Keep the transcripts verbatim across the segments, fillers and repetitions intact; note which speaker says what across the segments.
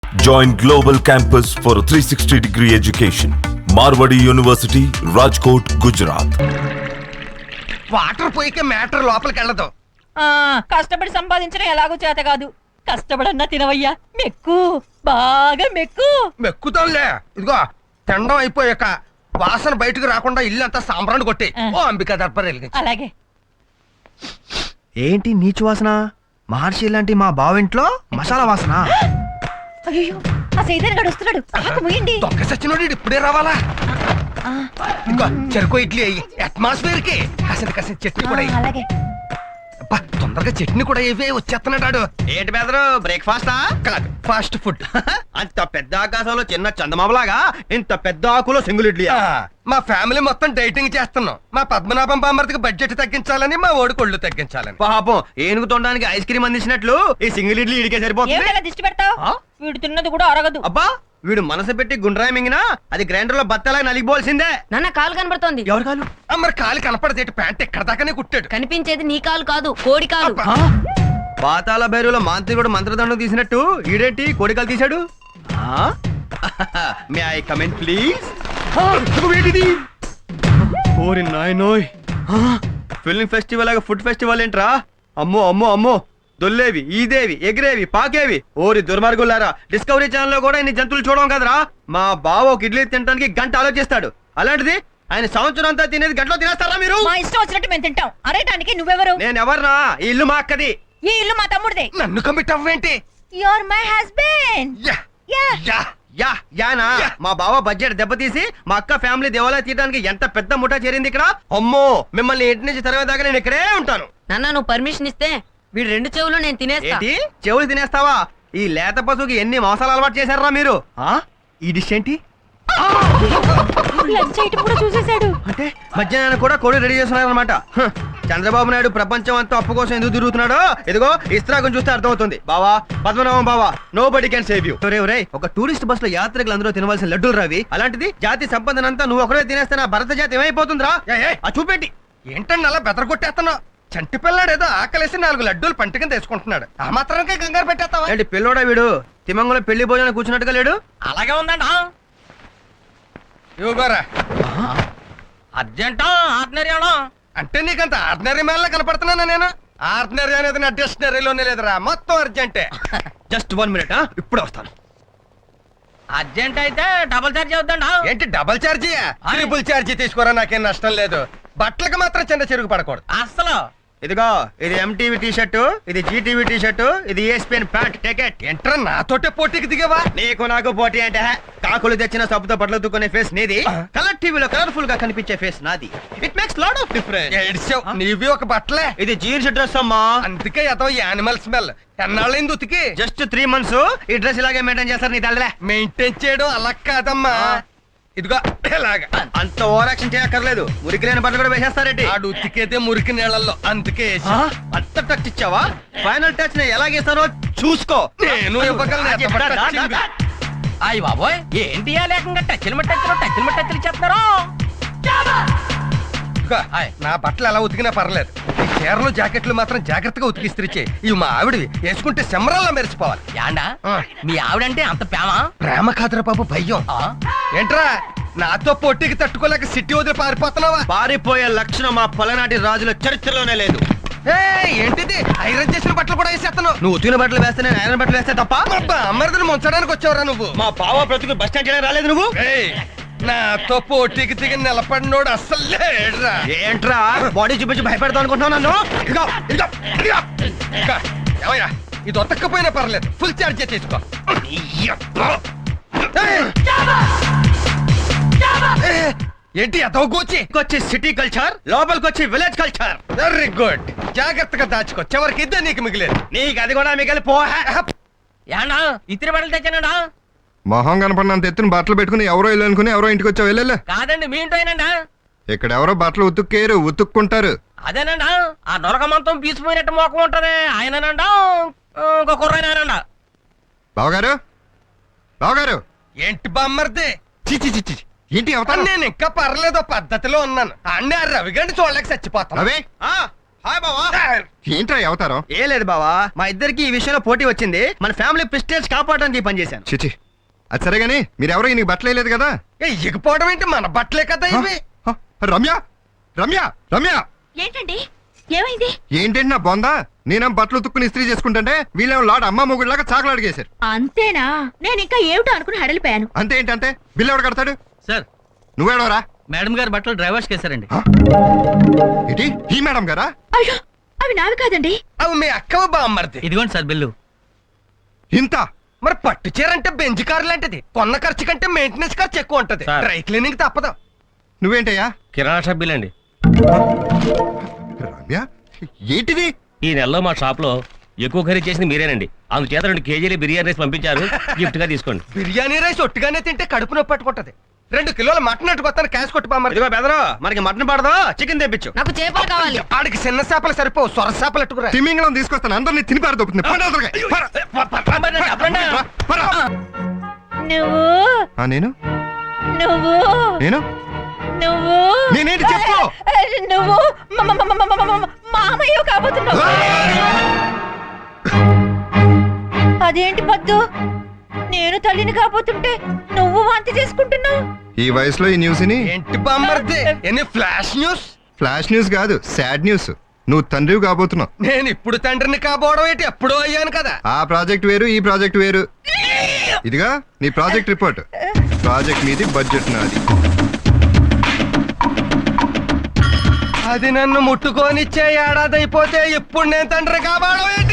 Speaker 1: Join Global Campus for a three sixty degree education. Marwadi University, Rajkot, Gujarat.
Speaker 2: Water పోయికే matter లోపలికి వెళ్ళదు.
Speaker 3: కష్టపడి సంపాదించడం ఎలాగో చేత కాదు. కష్టపడన్నా తినవయ్యా, మెక్కు బాగా మెక్కు.
Speaker 2: మెక్కుతాంలే. ఇదిగో తినడం అయిపోయాక వాసన బయటకు రాకుండా ఇల్లు అంతా సాంబ్రాన్ని కొట్టి ఓ అంబికా దర్బార్ వెలిగించు.
Speaker 3: అలాగే.
Speaker 4: ఏంటి నీచు వాసన? మహర్షి లాంటి మా బావింట్లో మసాలా వాసన.
Speaker 3: అయ్యో, ఆ సైదన్ గడు వస్తున్నాడు. ఆకు ముయండి.
Speaker 2: దొంగ సచ్చినోడు ఇప్పుడే రావాలా? ఇదిగో చెరుకు ఇడ్లీ అయ్యి అట్మాస్ఫియర్ కి కాసేది కాసేది చట్నీ కూడా అయ్యి.
Speaker 3: అలాగే.
Speaker 2: అబ్బా, తొందరగా చట్నీ కూడా ఇవే వచ్చేస్తున్నాడు.
Speaker 4: ఏంటి బెదరు, బ్రేక్ఫాస్టా?
Speaker 2: కాదు, ఫాస్ట్ ఫుడ్.
Speaker 4: అంత పెద్ద ఆకాశంలో చిన్న చందమామలాగా ఇంత పెద్ద ఆకులో సింగిల్ ఇడ్లీ.
Speaker 2: మా ఫ్యామిలీ మొత్తం డైటింగ్ చేస్తున్నాం. మా పద్మనాభం బామ్మర్తికి బడ్జెట్ తగ్గించాలని, మా ఓడి కొళ్ళు తగ్గించాలని.
Speaker 4: పాపం ఏనుగు తొండడానికి ఐస్ క్రీమ్ అందించినట్లు ఈ సింగిల్ ఇడ్లీ ఇడికే సరిపోతుంది.
Speaker 3: ఏమిటలా దిష్టి పెడతావు? వీడు తిన్నది కూడా అరగదు.
Speaker 4: అబ్బా, వీడు మనసు పెట్టి గుండ్రాయి మింగినా అది గ్రైండర్ లో బత్తలా నలిగిపోవాల్సిందే.
Speaker 5: నాన్న కాలు కనబడుతోంది.
Speaker 4: ఎవరు కాలు?
Speaker 2: మరి కాలు కనపడదేటి, ప్యాంట్ ఎక్కడ దాకానే కుట్టాడు.
Speaker 5: కనిపించేది నీ కాలు కాదు, కోడి కాలు.
Speaker 4: పాతాల భైరులో మాంత్రికుడు మంత్రదండం తీసినట్టు ఈడేంటి కోడికలు తీశాడు? May I comment please? ఓరి నాయనోయ్, ఫిల్మ్ ఫెస్టివల్ లాగా ఫుడ్ ఫెస్టివల్ ఏంట్రా? అమ్మో అమ్మో అమ్మో, దొల్లేవి, ఈదేవి, ఎగిరేవి, పాకేవి. ఓరి దుర్మార్గులారా, డిస్కవరీ ఛానల్ లో కూడా ఇన్ని జంతువులు చూడడం కదరా. మా బావ ఒక ఇడ్లీ తినడానికి గంట ఆలోచిస్తాడు, అలాంటిది ఆయన సంవత్సరం అంతా తినేది గంటలో తినేస్తారా మీరు?
Speaker 3: మా ఇష్టం వచ్చినట్టు మేము తింటాం. అరేటానికి నువ్వెవరు?
Speaker 4: నేను ఎవర్నా? ఈ ఇల్లు మా అక్కది.
Speaker 3: ఈ ఇల్లు మా తమ్ముడిదే.
Speaker 2: నన్ను కమిట్ అవ్వేంటి?
Speaker 3: You are my husband.
Speaker 2: Yeah
Speaker 3: yeah
Speaker 2: yeah
Speaker 4: yeah యానా? మా బావ బడ్జెట్ దెబ్బతీసి మా అక్క ఫ్యామిలీ దేవాలయం తీయడానికి ఎంత పెద్ద ముఠా చేరింది ఇక్కడ. అమ్మో, మిమ్మల్ని ఇంటి నుంచి తరవేదాకా నేను ఇక్కడే ఉంటాను.
Speaker 5: నాన్న నువ్వు పర్మిషన్ ఇస్తే వీడు రెండు చెవులు నేను తినేస్తా.
Speaker 4: ఏంటి చెవులు తినేస్తావా? ఈ లేత పశువుకి ఎన్ని మోసాలు అలవాటు చేశారా మీరు? ఆ ఈ డిష్ ఏంటి?
Speaker 3: లంచ్ ఐటమ్ కూడా చూసేశాడు.
Speaker 4: అంటే మధ్యాహ్నం కూడా కోడి రెడీ చేస్తున్నారనమాట. చంద్రబాబు నాయుడు ప్రపంచం అంతా అప్పు కోసం ఎందుకు తిరుగుతున్నాడో ఇదిగో ఇస్త్రాగం చూస్తే అర్థమవుతుంది. బావా, పద్మనాభం బావా, nobody can save you. రే ఒక టూరిస్ట్ బస్ లో యాత్రికులు అందరూ తినవలసిన లడ్డూలు రావి, అలాంటిది జాతి సంపదనంతా నువ్వు ఒకరే తినేస్తే నా భరత జాతి ఏమైపోతుందిరా? ఆ చూపెట్టి.
Speaker 2: ఏంటండి అలా బెదరగొట్టేస్తున్నావు? చంటి పిల్లాడు ఏదో ఆకలేసి నాలుగు లడ్డూలు పంట కింద వేసుకుంటున్నాడు. ఆ మాత్రానికే కంగారు పెట్టేస్తావా?
Speaker 4: ఏంటి పిల్లోడా వీడు? తిమంగంలో పెళ్లి భోజనం కూర్చున్నట్టుగా లేడు.
Speaker 2: అలాగే ఉందండి. ఇవ్వగోరా.
Speaker 6: అర్జెంటా ఆర్డినరీ
Speaker 2: అంటే నీకంత ఆర్డినరీ మేళ కనపడుతున్నానా నేను? ఆర్డినరీ అనేది నా డిక్షనరీలోనే లేదురా, మొత్తం అర్జెంటే.
Speaker 4: జస్ట్ వన్ మినిట్, ఇప్పుడు వస్తాను.
Speaker 6: అర్జెంట్ అయితే డబుల్ చార్జ్ అవుతుందా?
Speaker 2: ఏంటి డబల్ ఛార్జీ? ట్రిపుల్ ఛార్జీ తీసుకోరా, నాకేం నష్టం లేదు. బట్టలకు మాత్రం చిన్న చెరుగు పడకూడదు
Speaker 6: అసలు.
Speaker 4: ఇదిగో ఇది ఎంటీవీ టీ షర్టు, ఇది జీటీవీ టీ షర్టు, ఇది ఈఎస్పీఎన్ ప్యాంట్. టికెట్.
Speaker 2: ఎంట్రా నాతోటే పోటీకి దిగవా?
Speaker 4: నీకు నాకు పోటీ అంటే కాకులు తెచ్చిన సబ్బుతో బట్టలు దుక్కునే ఫేస్ నీది, కలర్ టీవీలో కలర్ఫుల్ గా కనిపించే ఫేస్ నాది. It makes lot of difference.
Speaker 2: ఏడ్చావు, నీవి ఒక బట్టలే.
Speaker 4: ఇది జీన్స్ డ్రెస్ అమ్మా,
Speaker 2: అందుకే ఏదో యానిమల్ స్మెల్. ఎన్నాళ్ళైంది ఉతికి?
Speaker 4: Just three months. ఈ డ్రెస్ ఇలాగే మెయింటైన్ చేస్తారు నీ తల్లే.
Speaker 2: మెయింటైన్ చేయడం అలా కాదమ్మా, ఇదిగో ఇలాగా.
Speaker 4: అంత ఓవర్ యాక్షన్ చేయక్కర్లేదు, మురికి లేని బట్టలు కూడా వేసేస్తారేంటి?
Speaker 2: ఆడు ఉతికేదే మురికి నీళ్ళల్లో, అందుకే వేసా.
Speaker 4: అంత టచ్ ఇచ్చావా? ఫైనల్ టచ్ నేను ఎలాగేస్తానో చూసుకో.
Speaker 2: నేను ఇవ్వగలను.
Speaker 6: అయ్యి బాబోయ్, ఏంటి ఆ లేకంగా టచ్లు మట్టచ్చులు టచ్లు మట్టచ్చులు చెప్తారు.
Speaker 2: ఇదిగో, నా బట్టలు ఎలా ఉతికినా పర్లేదు, ఈ చీరలు జాకెట్లు మాత్రం జాగ్రత్తగా ఉతికిస్త్రిచ్చే. ఇవి మా ఆవిడవి, వేసుకుంటే సెమరాల్లా మెరిచిపోవాలి.
Speaker 6: యాండా మీ ఆవిడంటే అంత ప్రేమ?
Speaker 2: ప్రేమ కాదురా బాబు, భయం. ఏంట్రా నాతో పోటీకి తట్టుకోలేక సిటీ వదిలి పారిపోతున్నావా?
Speaker 4: పారిపోయే లక్షణం మా పలనాటి రాజుల చరిత్రలోనే లేదు.
Speaker 2: ఏంటిది? ఐరన్ చేసిన బట్టలు కూడా వేసేస్తాను.
Speaker 4: నువ్వు ఉతికిన బట్టలు వేస్తే నేను ఐరన్ బట్టలు వేస్తే తప్ప?
Speaker 2: అమ్మరిదని ముంచడానికి వచ్చావురా నువ్వు?
Speaker 4: మా బావ బ్రతుకు బస్ స్టాండ్ చేయడానికి రాలేదు నువ్వు.
Speaker 2: నాతో పోటీకి దిగి నిలబడినోడు అస్సలు లేడురా.
Speaker 4: ఏంట్రా బాడీ చూపించి భయపెడతావు అనుకుంటున్నావు నన్ను? ఇదిగో, ఇదిగో, ఇదిగో.
Speaker 2: ఇంకా, ఏమయ్యా, ఇది ఒతక్కపోయినా పర్లేదు, ఫుల్ ఛార్జ్ తీసుకో. ఏంటి అదో గోచి?
Speaker 4: వచ్చి సిటీ కల్చర్, లోపలికి వచ్చి విలేజ్ కల్చర్.
Speaker 2: వెరీ గుడ్, జాగ్రత్తగా దాచుకో, చివరికి ఇద్దే నీకు మిగిలేదు.
Speaker 4: నీకు అది కూడా మిగిలి పో.
Speaker 6: యాండా ఇతరి బట్టలు తెచ్చానండా?
Speaker 7: మొహం కనపడినంత ఎత్తున బట్టలు పెట్టుకుని ఎవరో ఇల్లు అనుకుని ఎవరో ఇంటికి వచ్చావు. వెళ్ళలే.
Speaker 6: కాదండి మీ ఇంటోనండా.
Speaker 7: ఇక్కడ ఎవరో బట్టలు ఉతుక్కేరు, ఉతుక్కుంటారు.
Speaker 6: అదేనండా ఆ నొరక మంతం పీసిపోయినట్టు మోకం ఉంటది ఆయనండా, ఇంకో కుర్రాయనండా.
Speaker 7: బావగారు, బావగారు.
Speaker 2: ఏంటి బామ్మర్ది?
Speaker 7: చిచి చిచి ఏంటి అవుతాను?
Speaker 2: నేను ఇంకా పర్లేదు, పద్ధతిలో ఉన్నాను. అన్నీ ఆ రవిగండి చూడలేక చచ్చిపోతాను.
Speaker 7: రవి,
Speaker 4: హాయ్ బావా.
Speaker 7: ఏంట్రా ఈ అవతారం?
Speaker 4: ఏ లేదు బావా, మా ఇద్దరికి ఈ విషయంలో పోటీ వచ్చింది. మన ఫ్యామిలీ ప్రెస్టేజ్ కాపాడడానికి ఈ పని చేశాను.
Speaker 7: చిచి, అది సరే గానీ మీరెవరో ఈయనకి బట్టలు వేయలేదు కదా?
Speaker 2: ఏ ఎగిపోవడం ఏంటి, మన బట్టలే కదా ఇవి.
Speaker 7: హ, రమ్య రమ్య రమ్య
Speaker 3: ఏంటండి ఏమైంది?
Speaker 7: ఏంటంటే నా బొందా, నేనేం బట్టలు ఉతుక్కుని ఇస్త్రీ చేసుకుంటుంటే వీళ్ళేమో లాడ అమ్మ మొగుడిలాగా చాకలు అడిగేశారు.
Speaker 3: అంతేనా? నేను ఇంకా ఏమిటో అనుకుని హడలిపోయాను.
Speaker 7: అంతే ఏంటంటే బిల్లు ఎవడు కడతాడు?
Speaker 6: సార్
Speaker 7: నువ్వేడవరా?
Speaker 6: మేడం గారు బట్టలు డ్రైవర్స్ కేసారండి.
Speaker 7: ఏంటి ఈ మేడం గారా?
Speaker 3: అయ్యో అవి నావి కాదండి.
Speaker 2: అవి మీ అక్కవ బామ్మర్ది.
Speaker 6: ఇదిగోండి సార్ బిల్లు.
Speaker 7: ఇంత
Speaker 2: మరి పట్టు చీర అంటే బెంజ్ కార్ లాంటిది, కొన్న ఖర్చు కంటే మెయింటెనెన్స్ ఖర్చు ఎక్కువ ఉంటది.
Speaker 6: సార్.
Speaker 2: డ్రై క్లీనింగ్ తప్పదు.
Speaker 7: నువ్వేంటయ్యా?
Speaker 6: కిరాణా షాప్ బిల్ అండి.
Speaker 7: రమ్య ఏంటిది?
Speaker 6: ఈ నెలలో మా షాప్ లో ఎక్కువ ఖరీదు చేసింది మీరేనండి. అందుచేత రెండు కేజీలు బిర్యానీ రైస్ పంపించారు, గిఫ్ట్ గా తీసుకోండి.
Speaker 2: బిర్యానీ రైస్ ఒట్టిగానే తింటే కడుపు నొప్పి పట్టుకుంటది. రెండు కిలోల మటన్ అట్టుకొస్తాను, క్యాష్ కొట్టు బామ్మర్ది.
Speaker 4: ఇదిగో బెదరు, మనకి మటన్ పడదు, చికెన్ తెప్పించు.
Speaker 5: నాకు చేపలు కావాలి.
Speaker 2: ఆడికి చిన్న చేపలు సరిపోవు, సొర చేపలు అట్టుకురా.
Speaker 7: తిమింగళం తీసుకొస్తాను, అందరినీ తిని పారదొప్పుతుంది.
Speaker 3: నువ్వు
Speaker 7: నేను
Speaker 3: నువ్వు
Speaker 7: నేను
Speaker 3: నువ్వు
Speaker 7: నేనేంటి చెప్పు.
Speaker 3: నువ్వు మ- మ- మ- మ- మ- మ- మ- మామయ్య కాబోతున్నావు. అదేంటి పద్దు, నేను తల్లిని కాబోతుంటే నువ్వు వాంతి చేసుకుంటున్నావు.
Speaker 7: ఈ వయసులో ఈ న్యూస్ ని
Speaker 2: ఏంటి బామ్మర్ది, ఎన్ని ఫ్లాష్ న్యూస్?
Speaker 7: ఫ్లాష్ న్యూస్ కాదు, సాడ్ న్యూస్. నువ్వు తండ్రివి కాబోతున్నావు.
Speaker 2: నేను ఇప్పుడు తండ్రిని కాబోవడం ఏంటి, ఎప్పుడో అయ్యాను కదా.
Speaker 7: ఆ ప్రాజెక్ట్ వేరు, ఈ ప్రాజెక్ట్ వేరు. ఇదిగా నీ ప్రాజెక్ట్ రిపోర్ట్. ప్రాజెక్ట్ మీది, బడ్జెట్ నాది.
Speaker 2: అది నన్ను ముట్టుకోనిచ్చే ఏడాది అయిపోతే ఇప్పుడు నేను తండ్రి కాబోవడం ఏంటి?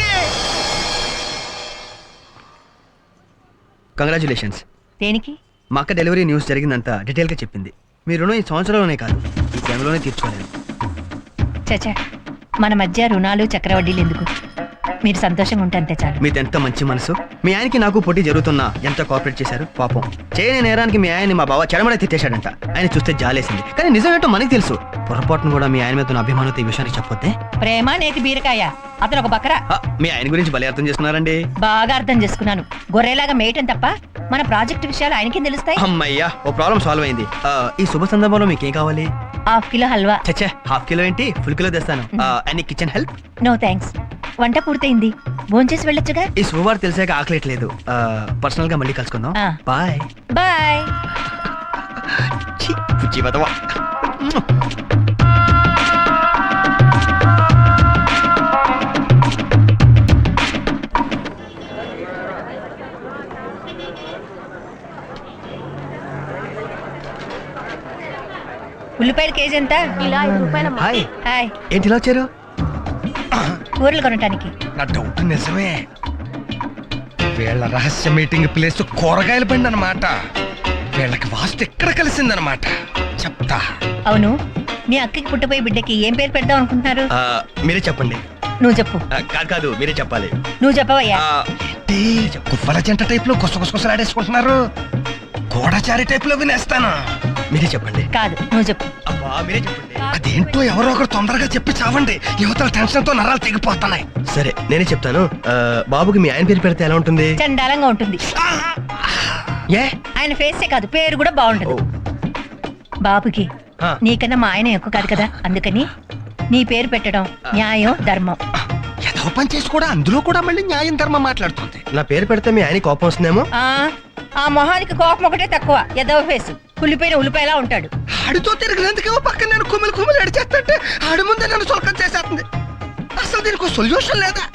Speaker 4: కంగ్రాచులేషన్స్.
Speaker 3: దేనికి?
Speaker 4: మా అక్క డెలివరీ న్యూస్ జరిగిందంతా డీటెయిల్ గా చెప్పింది. మీ రుణం ఈ సంవత్సరంలోనే కాదు, ఈ జన్మలోనే తీర్చుకోలేను.
Speaker 3: చచ్చా, మన మధ్య రుణాలు చక్రవడ్డీలు ఎందుకు? మీరు సంతోషంగా ఉంటే అంతే చాలు.
Speaker 4: మీది ఎంత మంచి మనసు. మీ ఆయనకి నాకు పోటీ జరుగుతున్నా ఎంత కోఆపరేట్ చేశారు. పాపం చేయని నేరానికి మీ ఆయన్ని మా బావ చెడమడే తిట్టేశాడంట. ఆయన చూస్తే జాలేసింది, కానీ నిజం ఏంటో మనకి తెలుసు. పొరపాటును కూడా మీ ఆయన మీద ఉన్న అభిమానంతో ఈ విషయానికి చెప్పొద్దే.
Speaker 3: ప్రేమ నేతి బీరకాయ, అతను ఒక బకరా.
Speaker 4: ఆ, మీ ఆయన గురించి భలే అర్థం చేసుకున్నారండి.
Speaker 3: బాగా అర్థం చేసుకున్నాను. గొర్రెలాగా మేయటం తప్ప మన ప్రాజెక్ట్ విషయాలు ఆయనకి తెలుస్తాయి.
Speaker 4: అమ్మయ్యా, ఓ ప్రాబ్లం సాల్వ్ అయింది. ఆ, ఈ శుభ సందర్భంలో మీకేం కావాలి?
Speaker 3: Half kilo halwa.
Speaker 4: చచ్చే, హాఫ్ కిలో ఏంటి, ఫుల్ కిలో తెస్తాను. అన్ని కిచెన్ హెల్ప్.
Speaker 3: నో థ్యాంక్స్, వంట పూర్తయింది, భోంచేసి వెళ్ళొచ్చుగా.
Speaker 4: ఈ శుభవార్త తెలిసాక ఆకలేట్లేదు. పర్సనల్ గా మళ్ళీ కలుసుకుందాం.
Speaker 3: ఆ.
Speaker 4: బాయ్.
Speaker 3: బాయ్.
Speaker 4: ఛీ, పుచ్చి బతవా.
Speaker 3: ఉల్లిపాయల కేజీ ఎంత?
Speaker 5: ఇలా ఐదు రూపాయల
Speaker 4: హాయ్,
Speaker 3: హాయ్.
Speaker 4: ఏంటి ఇలా వచ్చారు?
Speaker 3: కూరలు కొనటానికి.
Speaker 2: నా డౌట్ నిజమే. వీళ్ళ రహస్య మీటింగ్ ప్లేస్ కూరగాయల బండి అన్నమాట. వీళ్ళకి వాస్తు ఎక్కడ కలిసిందన్నమాట. చెప్తా.
Speaker 3: అవును, మీ అక్కకి పుట్టపోయే బిడ్డకి ఏం పేరు పెడదాం అనుకుంటున్నారు?
Speaker 4: ఆ, మీరే చెప్పండి.
Speaker 3: నువ్వు చెప్పు.
Speaker 4: ఆ, కాదు కాదు, మీరే చెప్పాలి.
Speaker 3: నువ్వు చెప్పవయ్యా.
Speaker 4: ఆ,
Speaker 2: ఏంటి కువ్వల జంట టైప్ లో గుసగుసలాడేసుకుంటున్నారు? గోడచారి టైప్ లో వినేస్తాను.
Speaker 4: మీరే చెప్పండి.
Speaker 3: కాదు, నువ్వు చెప్పు.
Speaker 4: అబ్బా, మీరే చెప్పండి.
Speaker 2: అదేంటో ఎవరో ఒకరు తొందరగా చెప్పి చావండి. యువతల టెన్షన్ తో నరాలు తెగిపోతున్నాయి.
Speaker 4: సరే, నేనే చెప్తాను. ఆ, బాబుకి మీ ఆయన పేరు పెడితే ఎలా ఉంటుంది?
Speaker 3: చండాలంగా ఉంటుంది.
Speaker 4: ఏ
Speaker 3: ఆయన ఫేసే కాదు, పేరు కూడా బాగుంటది.
Speaker 4: ఓ.
Speaker 3: బాబుకి
Speaker 4: ఆ.
Speaker 3: నీకన్నా మా ఆయన ఎక్కువ కాదు కదా, అందుకని నీ పేరు పెట్టడం న్యాయం ధర్మం.
Speaker 2: ఏదో పని చేసి కూడా అందులో కూడా మళ్ళీ న్యాయం ధర్మం మాట్లాడుతుంది.
Speaker 4: నా పేరు పెడితే మీ ఆయన కోపం వస్తుందేమో.
Speaker 3: ఆ ఆ మొహానికి కోపం ఒకటే తక్కువ, ఎదవ ఫేసు, కుళ్ళిపోయిన ఉల్లిపాయలా ఉంటాడు.
Speaker 2: ఆడితో తిరిగినందుకేమో పక్కన నేను కుమిలి కుమిలి అడిచేస్తుంటే ఆడి ముందే నన్ను సొలకం చేసేస్తుంది. అసలు దీనికి సొల్యూషన్ లేదా?